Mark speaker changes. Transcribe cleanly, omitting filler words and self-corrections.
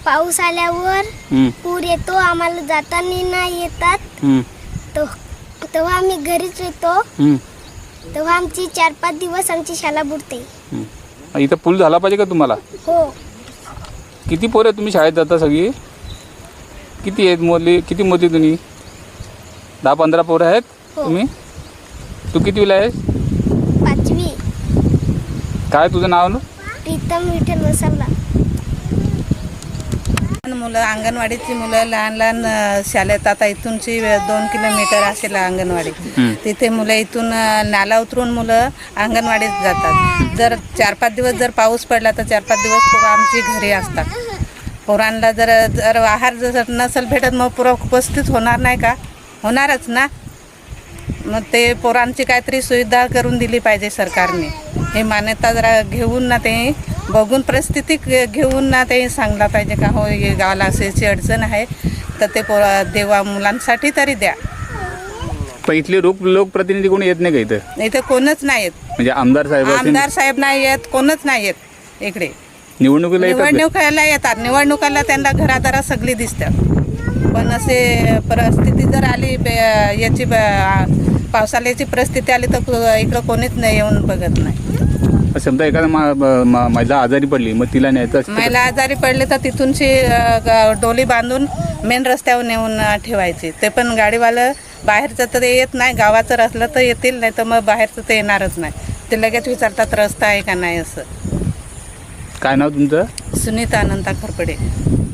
Speaker 1: पाऊस आल्यावर पूर येतो, आम्हाला जाताना नाही येतात. तेव्हा आम्ही घरीच येतो. तेव्हा आमची 4-5 दिवस आमची शाळा बुडते.
Speaker 2: इथं पूल झाला पाहिजे का तुम्हाला?
Speaker 1: हो.
Speaker 2: किती पोरं तुम्ही शाळेत जाता सगळी? किती आहेत मुली? किती मोठी तुम्ही? 10-15 पोरं आहेत तुम्ही? तू कितवीला आहेस?
Speaker 1: 5वी.
Speaker 2: काय तुझं नाव ना?
Speaker 1: प्रीतम विठ्ठल वसावला.
Speaker 3: मुलं अंगणवाडीची मुलं लहान लहान शाळेत आता इथूनची 2 किलोमीटर असेल अंगणवाडी. तिथे मुलं इथून नाला उतरून मुलं अंगणवाडीत जातात. जर 4-5 दिवस जर पाऊस पडला तर 4-5 दिवस पोरं आमची घरी असतात. पोरांना जर जर आहार जर नसेल भेटत मग पोरं उपस्थित होणार नाही का? होणारच ना. मग ते पोरांची काहीतरी सुविधा करून दिली पाहिजे सरकारने. हे मान्यता जरा घेऊन ना ते बघून परिस्थिती घेऊन ना ते सांगला पाहिजे का हो हे गावाला अशी अडचण आहे तर ते देवा मुलांसाठी तरी द्या.
Speaker 2: पण इथले लोकप्रतिनिधी कोणी येत नाही का इथं?
Speaker 3: इथे कोणच नाही येत.
Speaker 2: म्हणजे आमदार
Speaker 3: साहेब नाही येत, कोणच नाही येत इकडे.
Speaker 2: निवडणुकीला
Speaker 3: येतात. निवडणुकाला त्यांना घरादारा सगळी दिसतात. पण असे परिस्थिती जर आली याची पावसाळ्याची परिस्थिती आली तर इकडं कोणीच नाही येऊन बघत नाही.
Speaker 2: समजा एखादा महिला आजारी पडली मग तिला न्यायचं.
Speaker 3: महिला आजारी पडले तर तिथूनची डोली बांधून मेन रस्त्यावर नेऊन ठेवायची. ते पण गाडीवालं बाहेरचं तर येत नाही. गावाचं असलं तर येतील, नाही तर मग बाहेरचं ते येणारच नाही. ते लगेच विचारतात रस्ता आहे का नाही असं.
Speaker 2: काय नाव तुमचं?
Speaker 3: सुनीता अनंता खरपडे.